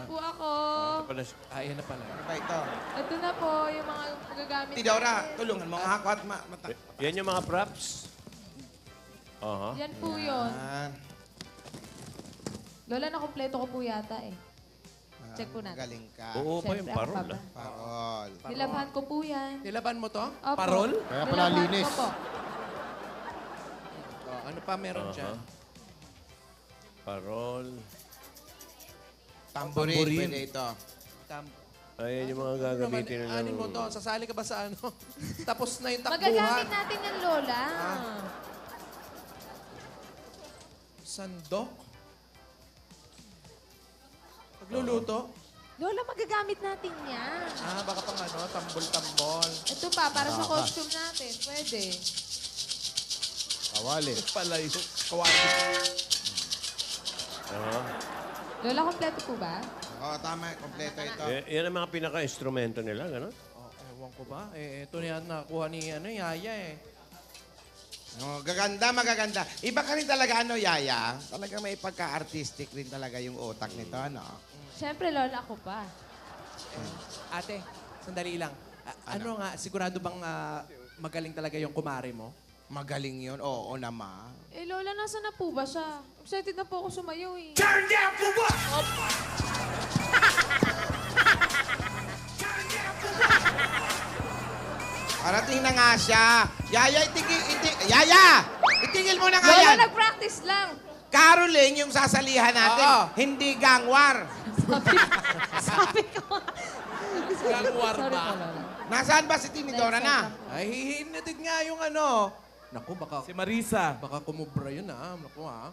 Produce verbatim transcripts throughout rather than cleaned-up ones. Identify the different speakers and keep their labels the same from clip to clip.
Speaker 1: po ako.
Speaker 2: Ito pala, siya. Ah, yan na pala.
Speaker 3: Ano ba ito?
Speaker 1: Ito na po yung mga magagamit.
Speaker 3: Tidora, tulungan mo nga ako at ma... mata...
Speaker 2: Yan yung mga props. Aha.
Speaker 1: Yan po yun.
Speaker 3: Yan.
Speaker 1: Lola, nakompleto ko po yata eh. Check po natin.
Speaker 3: Galing ka.
Speaker 2: Oo pa yung
Speaker 1: Siyempre, ako
Speaker 2: parol.
Speaker 1: pa ba?
Speaker 2: Ah.
Speaker 3: Parol.
Speaker 1: Nilabhan ko po yan.
Speaker 4: Nilaban mo to?
Speaker 1: Opo.
Speaker 4: Parol?
Speaker 5: Kaya pala
Speaker 1: Nilabhan
Speaker 5: linis.
Speaker 1: ko po.
Speaker 4: Oh, ano pa meron
Speaker 2: Aha.
Speaker 4: dyan?
Speaker 2: Parol.
Speaker 3: Tamborin.
Speaker 4: Tamborin.
Speaker 3: Pwede ito.
Speaker 4: Tam
Speaker 2: Ayan yung mga
Speaker 4: Ano
Speaker 2: gagamitin
Speaker 4: naman,
Speaker 2: nila.
Speaker 4: anin mo to? Sasali ka ba sa ano? Tapos na yung
Speaker 1: Magagamit
Speaker 4: takbuhan.
Speaker 1: natin yan, Lola.
Speaker 4: Sandok? Pagluluto?
Speaker 1: Lola, magagamit natin yan.
Speaker 4: Ah, baka pang ano, tambol-tambol.
Speaker 1: Ito pa, para sa costume natin. Pwede.
Speaker 5: Kawali.
Speaker 4: Pala yung kawali.
Speaker 2: Aha.
Speaker 1: Lola, kompleto po ba?
Speaker 3: Oo, tama. Kompleto ito.
Speaker 2: Y- yan ang mga pinaka-instrumento nila, gano'n?
Speaker 4: Oh, ewan ko ba? Eh, ito na yan nakuha ni ano, Yaya eh.
Speaker 3: Oh, gaganda, magaganda. Iba ka rin talaga, ano, Yaya? Talaga may pagka-artistic rin talaga yung utak nito, ano?
Speaker 1: Siyempre, Lola, ako pa.
Speaker 4: Ate, sandali lang. A- ano? nga, sigurado bang ah, magaling talaga yung kumare mo?
Speaker 3: Magaling yun. Oo naman.
Speaker 1: Eh, Lola, nasa na po ba siya? Excited na po ako sumayaw eh.
Speaker 3: Parating na nga siya. Yaya, itigil, itigil. Yaya! Itigil mo na nga
Speaker 1: Lola,
Speaker 3: yan.
Speaker 1: nag-practice lang.
Speaker 3: Caroling yung sasalihan natin.
Speaker 4: Oo.
Speaker 3: Hindi gangwar.
Speaker 1: Sabi ko.
Speaker 4: Gangwar
Speaker 1: Sorry
Speaker 4: ba?
Speaker 1: po, Lola.
Speaker 3: Nasaan ba si Tinidora na?
Speaker 4: Ay, hihinatid nga yung ano. Naku, baka... Si Marisa. Baka kumubra yun ah. Naku ah.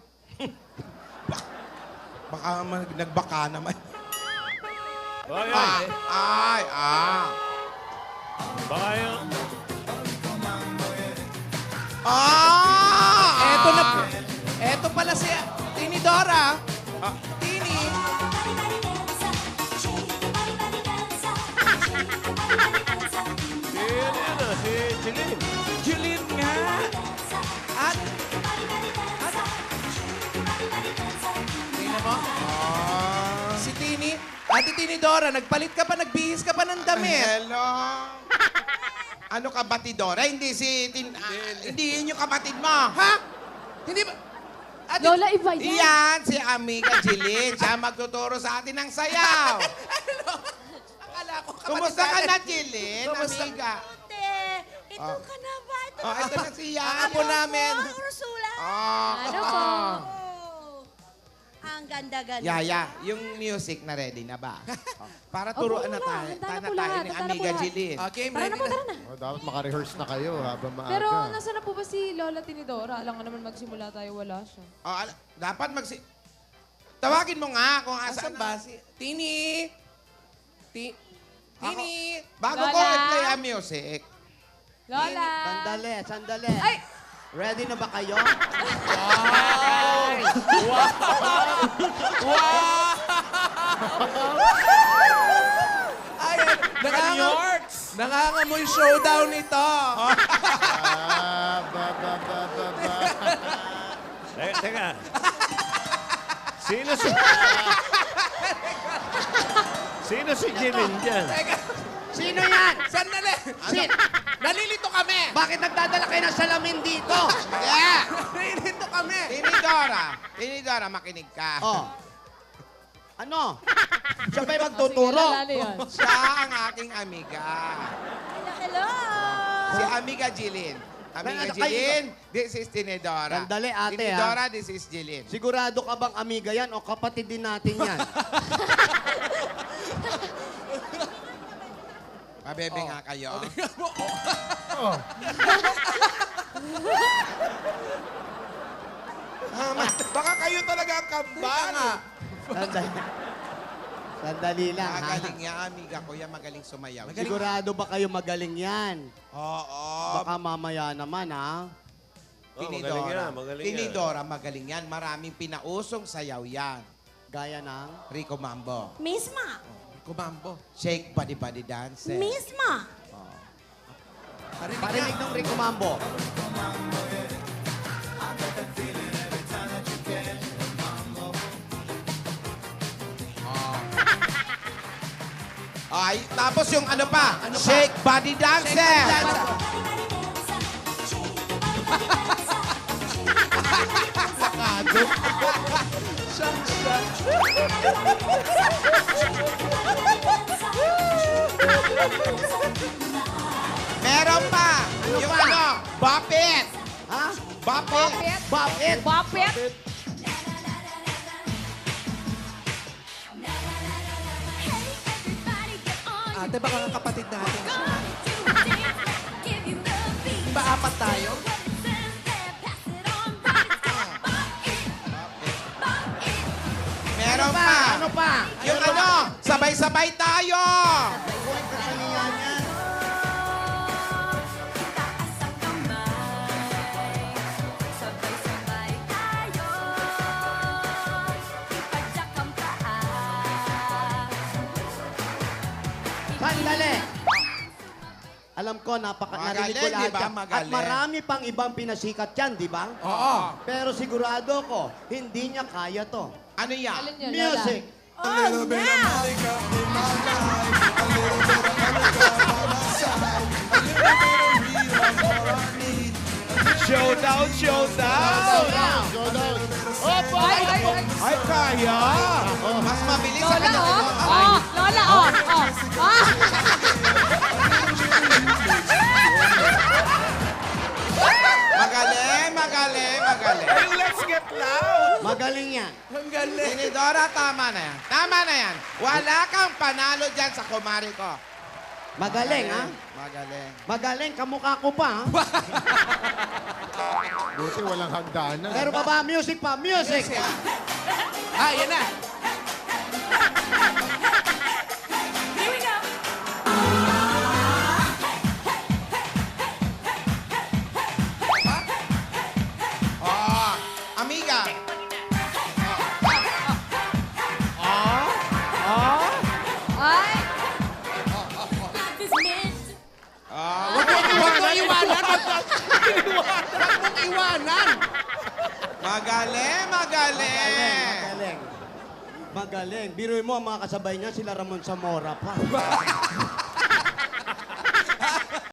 Speaker 3: Baka mag- nagbaka naman.
Speaker 2: Ay,
Speaker 3: Ah,
Speaker 2: ay.
Speaker 3: ay, ah.
Speaker 2: Baka yung...
Speaker 3: Ah!
Speaker 4: Eto na po. Eto pala si Tinidora.
Speaker 3: Ah.
Speaker 4: Tini.
Speaker 2: Si, ano yan ah, si Jeline.
Speaker 4: Julin nga. At... At... Tingnan mo.
Speaker 3: Ah.
Speaker 4: Si Tini. Ate Tinidora, nagpalit ka pa, nagbihis ka pa ng damit.
Speaker 3: Hello. Ano ka, batidora? Hindi si... Tin, ah, hindi yun yung kapatid mo.
Speaker 4: Ha? Hindi ba? Ate,
Speaker 1: Lola, iba yan.
Speaker 3: Iyan, si Amiga Jilin. Siya magtuturo sa atin ng sayaw.
Speaker 4: akala ko kapatid
Speaker 3: Kumusta ka
Speaker 4: natin.
Speaker 3: na, Jilin?
Speaker 4: Kumusta?
Speaker 3: Amiga.
Speaker 6: Ate, ito
Speaker 3: Ah.
Speaker 6: ka na ba? Ito
Speaker 3: Oh, ito na si Yaya.
Speaker 4: Ang apo namin.
Speaker 6: Ang Ursula.
Speaker 3: Oh.
Speaker 1: Ano po?
Speaker 6: Oh. Ang ganda-ganda.
Speaker 3: Yaya, yung music na ready na ba? Oh, para turuan na
Speaker 1: Opo,
Speaker 3: tayo.
Speaker 1: handa na
Speaker 3: Tana
Speaker 1: po
Speaker 3: tayo
Speaker 1: lahat,
Speaker 3: ni
Speaker 1: handa na po
Speaker 3: Amiga
Speaker 1: lahat.
Speaker 3: Jilin.
Speaker 4: Ah, game
Speaker 1: Tara
Speaker 4: ready
Speaker 1: na po, tara na.
Speaker 5: Oh, dapat makarehearse na kayo habang maaga.
Speaker 1: Pero nasa na po ba si Lola Tinidora? Alam nga naman magsimula tayo, wala siya.
Speaker 3: Oh, al- dapat magsi... Tawagin mo nga kung
Speaker 4: Asan
Speaker 3: asan
Speaker 4: ba si... Tini! Ti...
Speaker 3: Ako-
Speaker 4: Tini!
Speaker 3: Bago ko
Speaker 1: Lola?
Speaker 3: i-play ang music,
Speaker 1: Lola!
Speaker 7: Sandali, sandali.
Speaker 1: Ay!
Speaker 7: Ready na ba kayo?
Speaker 4: Ay, nakangam... Nakangamoy showdown ito.
Speaker 5: Ah, ba, ba, ba, ba, ba.
Speaker 2: Teka, teka. Sino si... Sino si Jeline dyan?
Speaker 4: Teka,
Speaker 7: Sino yan?
Speaker 4: sandali.
Speaker 7: Sin?
Speaker 4: Nalilito kami.
Speaker 7: Bakit nagdadala kayo ng salamin dito?
Speaker 3: yeah!
Speaker 4: Nalilito kami.
Speaker 3: Tinidora, Tinidora, makinig ka.
Speaker 7: Oh. Ano? Siya ba'y magtuturo?
Speaker 1: Sige, Lola, yan.
Speaker 3: Siya ang aking amiga.
Speaker 6: Hello, hello.
Speaker 3: Si Amiga Jilin. Amiga
Speaker 7: Ano kayo?
Speaker 3: Jilin, this is Tinidora.
Speaker 7: Sandali, ate,
Speaker 3: Tinidora, this is Jilin.
Speaker 7: Sigurado ka bang amiga yan o kapatid din natin yan?
Speaker 3: Mabebe nga kayo. Ah, ma- baka kayo talaga ang kambal.
Speaker 7: Sandali. Sandali lang, ha?
Speaker 3: Magaling yan, amiga ko yan. Magaling sumayaw.
Speaker 7: Sigurado ba kayo magaling yan?
Speaker 3: Oo.
Speaker 7: Baka mamaya naman, ha?
Speaker 2: Oh, magaling
Speaker 3: Tinidora.
Speaker 2: yan, magaling yan.
Speaker 3: Tinidora, magaling yan. Maraming pinausong sayaw yan.
Speaker 7: Gaya ng...
Speaker 3: Rico Mambo.
Speaker 6: Misma.
Speaker 4: Kumambo.
Speaker 3: Shake body body dance.
Speaker 6: Misma.
Speaker 7: Parinig ng Rico Mambo.
Speaker 3: Oh. Ay, tapos yung ano pa? Shake body dancer. Meron pa. yung
Speaker 7: pa?
Speaker 3: ano? Bop it.
Speaker 7: Ha?
Speaker 3: Bop it.
Speaker 7: Bop it.
Speaker 1: Bopet.
Speaker 4: Ate, baka nga kapatid natin siya. Di ba apat tayo?
Speaker 3: Meron pa.
Speaker 7: Ano pa?
Speaker 3: Yung ano? Sabay-sabay tayo.
Speaker 7: Kasaniyan yan. Sandali. Alam ko, napaka
Speaker 3: Magaling,
Speaker 7: narinig ko lahat
Speaker 3: di ba?
Speaker 7: yan. At
Speaker 3: Magaling.
Speaker 7: marami pang ibang pinasikat yan, di ba?
Speaker 4: Oo.
Speaker 7: Pero sigurado ko, hindi niya kaya to.
Speaker 3: Ano yan?
Speaker 1: Alin yun, Lola?
Speaker 7: Music.
Speaker 6: Oh, now!
Speaker 2: Showdown, showdown!
Speaker 5: Go down. Opo!
Speaker 1: Ay, ay, ay.
Speaker 2: Ay, kaya!
Speaker 3: Mas mabilis sa
Speaker 1: Lola,
Speaker 3: kanya.
Speaker 1: oh.
Speaker 3: Ay,
Speaker 1: Oh, Lola, oh. Oh. Ah.
Speaker 3: Magaling, magaling, magaling.
Speaker 2: Ay, let's get loud!
Speaker 7: Magaling yan.
Speaker 4: Ang galing.
Speaker 3: Tinidora, tama na yan. Tama na yan. Wala kang panalo dyan sa kumari ko.
Speaker 7: Magaling, ha?
Speaker 3: Magaling.
Speaker 7: Magaling, kamukha ko pa, ha?
Speaker 5: Buti walang hagdanan.
Speaker 7: Pero pa ba, music pa, music!
Speaker 4: Ah, yan na.
Speaker 3: Oh, amiga.
Speaker 1: Ay.
Speaker 3: Oh,
Speaker 4: Huwag mo iwanan. Huwag mong iwanan.
Speaker 3: magaling, magaling.
Speaker 7: Magaling. Magaling. Biruin mo, ang mga kasabay niya, sila Ramon Zamora pa.